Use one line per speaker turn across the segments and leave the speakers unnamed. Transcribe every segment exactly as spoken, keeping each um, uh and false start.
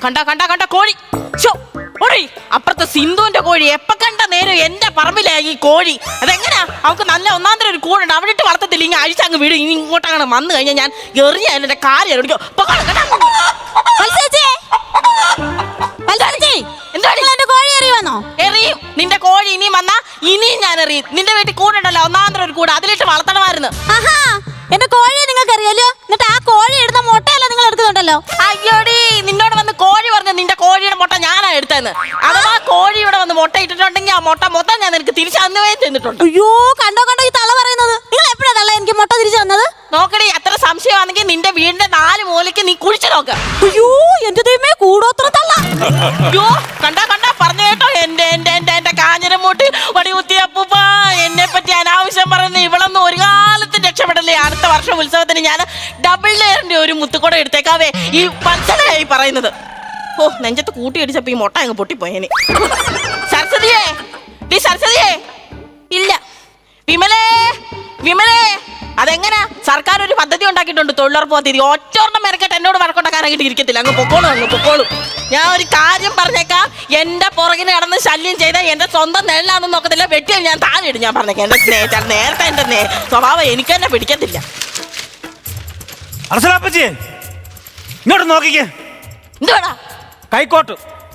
കണ്ട കണ്ട കണ്ട കോഴി ഓടി അപ്പുറത്തെ സിന്ധുവിന്റെ കോഴി എപ്പ കണ്ട നേരം എന്റെ പറമ്പിലാ ഈ കോഴി. അതെങ്ങനെയാ അവൾക്ക് നല്ല ഒന്നാന്തരം ഒരു കൂടുണ്ട് അവിടെ ഇട്ട് വളർത്തത്തില്ല. ഇങ്ങനെ അഴിച്ചങ്ങ് വീട്. ഇനി ഇങ്ങോട്ടങ്ങനെ വന്നു കഴിഞ്ഞാൽ ഞാൻ എറിഞ്ഞ എന്റെ കാര്യം എറിയും. നിന്റെ കോഴി ഇനിയും വന്നാ ഇനിയും ഞാൻ എറിയും. നിന്റെ വീട്ടിൽ കൂടുണ്ടല്ലോ ഒന്നാന്തരം ഒരു കൂട് അതിലിട്ട് വളർത്തണമായിരുന്നു.
എന്റെ കോഴിയെ നിങ്ങൾക്ക് അറിയാലോ. എന്നിട്ട് ആ കോഴി എടുത്ത മുട്ടയല്ല നിങ്ങൾ എടുക്കുന്നുണ്ടല്ലോ.
അയ്യോടി നിന്നോട് വന്ന് കോഴി പറഞ്ഞു നിന്റെ കോഴിയുടെ മുട്ട ഞാനാ എടുത്തതെന്ന്. അഥവാ കോഴിയുടെ വന്ന് മുട്ട ഇട്ടിട്ടുണ്ടെങ്കിൽ ആ മുട്ട മൊത്തം ഞാൻ നിനക്ക് തിരിച്ചു തന്നുവേ തന്നിട്ടുണ്ട്.
അയ്യോ കണ്ടോ കണ്ടോ ഈ തള്ള പറയുന്നത്. നിങ്ങൾ എപ്പോഴാ തള്ള എനിക്ക് മുട്ട തിരിച്ചു തന്നത്?
നോക്കടി അത്ര സംശയമാണെങ്കിൽ നിന്റെ വീടിന്റെ നാല് മൂലയ്ക്ക് നീ കുഴിച്ചു നോക്ക.
അയ്യോ എന്റെ ദൈവമേ കൂടോത്ര തള്ള.
അയ്യോ കണ്ടാ കണ്ടാ പറഞ്ഞു കേട്ടോ എന്റെ എന്റെ എന്റെ എന്റെ കാഞ്ഞിരമൂട്ട് വടി കുത്തിയ അപ്പൂപ്പ എന്നെ പറ്റി അനാവശ്യം പറയുന്ന ഇവളൊന്നും ഒരു കാലത്തും രക്ഷപ്പെടല്ലേ. അടുത്ത വർഷം ഉത്സവത്തിന് ഞാൻ ഡബിൾ ലെയറിന്റെ ഒരു മുത്തുക്കൂട എടുത്തേക്കാവേ. ഈ പഞ്ചനായി പറയുന്നത്. ഓ നെഞ്ചത്ത് കൂട്ടി അടിച്ചപ്പോ ഈ മുട്ട അങ്ങ് പൊട്ടിപ്പോയേനെ. സരസ്വതിയേ ഡീ സരസ്വതിയേ ഇല്ല. വിമലേ വിമലേ അതെങ്ങനെ സർക്കാർ ഒരു പദ്ധതി ഉണ്ടാക്കിയിട്ടുണ്ട് തൊഴിലുറപ്പ് പദ്ധതി. ഒറ്റോർണ്ണം മെനക്കെട്ട് എന്നോട് വഴക്കുണ്ടാക്കാനായിട്ട് ഇരിക്കത്തില്ല. അങ്ങ് പൊക്കോളും അങ്ങ് പൊക്കോളും. ഞാൻ ഒരു കാര്യം പറഞ്ഞേക്കാം. എന്റെ പുറകിന് നടന്ന് ശല്യം ചെയ്താൽ എന്റെ സ്വന്തം നെല്ലാണെന്ന് നോക്കത്തില്ല. വെട്ടിയാൽ ഞാൻ താഴെ ഇടും. ഞാൻ പറഞ്ഞേക്കാം എന്റെ സ്നേഹിച്ചാൽ നേരത്തെ എന്റെ നേ സ്വഭാവം എനിക്ക് തന്നെ പിടിക്കത്തില്ല.
ഇങ്ങോട്ട് നോക്കിക്കേ.
എന്തുവാടാ
കൈക്കോട്ട്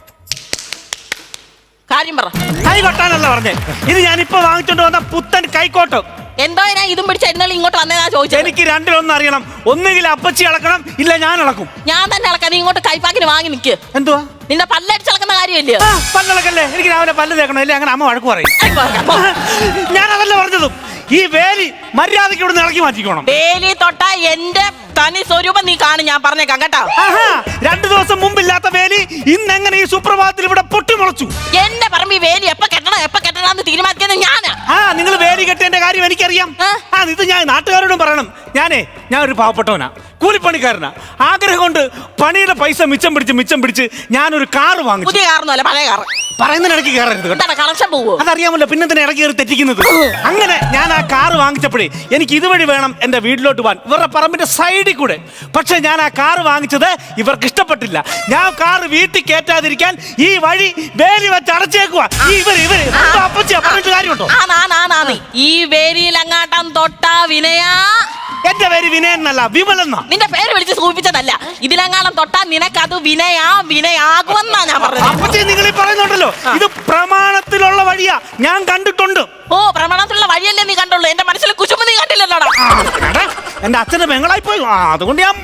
കാര്യം പറ.
കൈ കൊട്ടാനല്ല പറഞ്ഞേ. ഇത് ഞാൻ ഇപ്പൊ വാങ്ങിച്ചോണ്ട് വന്ന പുത്തൻ കൈക്കോട്ട്.
എന്തോ ഞാൻ ഇതും പിടിച്ച എന്നാലും ഇങ്ങോട്ട് വന്നേതാ ചോദിച്ചത്.
എനിക്ക് രണ്ടിലൊന്നും അറിയണം. ഒന്നുകിൽ അപ്പച്ചി ഇളക്കണം ഇല്ല ഞാൻ ഇളക്കും.
ഞാൻ തന്നെ ഇളക്കാം. നീ ഇങ്ങോട്ട് കൈപ്പാക്കിന് വാങ്ങി നിൽക്ക്.
എന്തുവാ
നിന്റെ പല്ലടിച്ചിളക്കുന്ന കാര്യമല്ലേ?
പല്ലിളക്കല്ലേ. എനിക്ക് രാവിലെ പല്ല് തേക്കണം. ഇല്ലേ അങ്ങനെ അമ്മ വഴക്ക് പറയും. ഞാൻ അതല്ല പറഞ്ഞതും. ഈ വേലി മര്യാദയ്ക്ക് ഇവിടുന്ന് ഇളക്കി മാറ്റിക്കോണം.
വേലി തൊട്ടാ എന്റെ തനി സ്വരൂപം നീ കാണും. ഞാൻ പറഞ്ഞേക്കാം കേട്ടോ.
രണ്ടു ദിവസം മുമ്പില്ലാത്ത വേലി ഇന്നെങ്ങനെ ഈ സുപ്രഭാതത്തിൽ ഇവിടെ പൊട്ടിമുളച്ചു?
എന്റെ പറമ്പ് ഈ വേലി എപ്പ കെട്ടണം എപ്പ കെട്ടണമെന്ന് തീരുമാനിക്കുന്നത് ഞാനാ.
ആ നിങ്ങൾ വേലി കെട്ടേണ്ട കാര്യം എനിക്കറിയാം. ആ ഇത് ഞാൻ നാട്ടുകാരോടും പറയണം. ഞാനേ ഞാൻ ഒരു പാവപ്പെട്ടവനാ, കൂലിപ്പണിക്കാരനാ. ആഗ്രഹം കൊണ്ട് പണിയുടെ പൈസ മിച്ചം പിടിച്ച് മിച്ചം പിടിച്ച് ഞാനൊരു കാറ് വാങ്ങിച്ചു.
പുതിയ കാറൊന്നുമല്ല പഴയ കാറ്.
പറയുന്നതിന് ഇടയ്ക്ക് കയറരുത്.
കണക്ഷൻ പോവോ?
അതറിയാമല്ലോ. പിന്നെ തന്നെ ഇടയ്ക്ക് കയറി തെറ്റിക്കുന്നത്. അങ്ങനെ ഞാൻ ആ കാറ് വാങ്ങിച്ചപ്പോഴേ എനിക്ക് ഇതുവഴി വേണം എന്റെ വീട്ടിലോട്ട് പോകാൻ, ഇവരുടെ പറമ്പിന്റെ സൈഡിൽ കൂടെ. പക്ഷെ ഞാൻ ആ കാറ് വാങ്ങിച്ചത് ഇവർക്ക് ഇഷ്ടപ്പെട്ടില്ല. ഞാൻ കാറ് വീട്ടിൽ കയറ്റാതിരിക്കാൻ ഈ വഴി വേലി വെച്ച് അടച്ചേക്കുവാ. ഇവര് ഇവര് അപ്പച്ചിയാ പറഞ്ഞിട്ട് കാര്യമുണ്ടോ?
ഈ വേലിയിൽ അങ്ങാട്ടം തൊട്ടാ വിനയാ.
എന്റെ പേര് വിനയൻ എന്നല്ല വിമലെന്നാ.
നിന്റെ പേര് വിളിച്ച് സൂചിപ്പിച്ചതല്ല. ഇതിലെങ്ങാനും തൊട്ടാ നിനക്കത് വിനയാ വിനയാകുമെന്നാ ഞാൻ പറഞ്ഞത്.
അപ്പച്ചി നിങ്ങൾ ഈ പറയുന്നുണ്ടല്ലോ ഇത് പ്രമാണത്തിലുള്ള വഴിയാ. ഞാൻ കണ്ടിട്ടുണ്ട്.
ഓ പ്രമാണത്തിലുള്ള വഴിയല്ലേ നീ കണ്ടുള്ളൂ. എന്റെ മനസ്സിൽ കുശുമ്പ് നീ കണ്ടില്ലല്ലോടാ.
എന്റെ അച്ഛന്റെ പെങ്ങളായി പോയി. അതുകൊണ്ട് ഞാൻ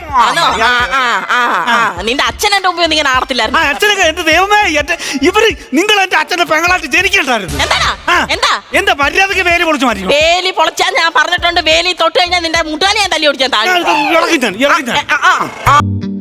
നിന്റെ അച്ഛൻ എന്റെ മുമ്പ് നീ ആടത്തില്ലായിരുന്നു.
അച്ഛനൊക്കെ എന്റെ ദൈവമേ ഇവര് നിങ്ങൾ എന്റെ അച്ഛന്റെ പെങ്ങളായിട്ട് ജനിക്കണ്ടായിരുന്നു.
എന്താ എന്താ
എന്റെ മര്യാദക്ക് വേലി പൊളിച്ചു മാറ്റി.
വേലി പൊളിച്ചാൽ ഞാൻ പറഞ്ഞിട്ടുണ്ട്. വേലി തൊട്ട് കഴിഞ്ഞാൽ നിന്റെ മുട്ടാലി ഞാൻ തല്ലി ഓടിച്ചാൽ താഴെ.